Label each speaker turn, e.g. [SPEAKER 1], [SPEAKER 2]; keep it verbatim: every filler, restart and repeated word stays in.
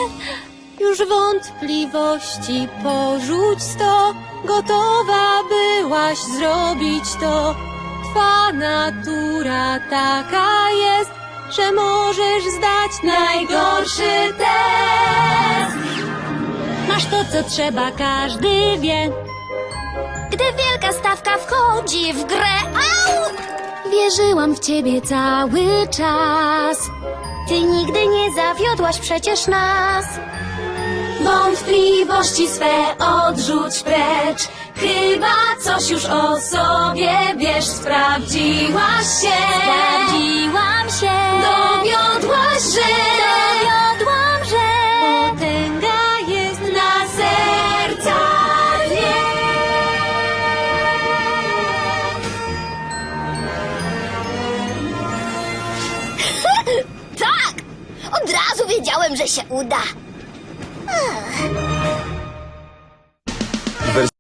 [SPEAKER 1] Już wątpliwości porzuć sto, gotowa byłaś zrobić to. Twa natura taka jest, że możesz zdać najgorszy test. Masz to, co trzeba, każdy wie.
[SPEAKER 2] Gdy wielka stawka wchodzi w grę, au!
[SPEAKER 1] Wierzyłam w ciebie cały czas.
[SPEAKER 2] Ty nigdy nie zawiodłaś przecież nas.
[SPEAKER 1] Wątpliwości swe odrzuć precz. Chyba coś już o sobie wiesz. Sprawdziłaś się,
[SPEAKER 2] Sprawdziłam się,
[SPEAKER 1] dowiodłaś, że
[SPEAKER 2] dowiodłam, że
[SPEAKER 1] potęga jest na serca dnie.
[SPEAKER 2] tak! Od razu wiedziałem, że się uda.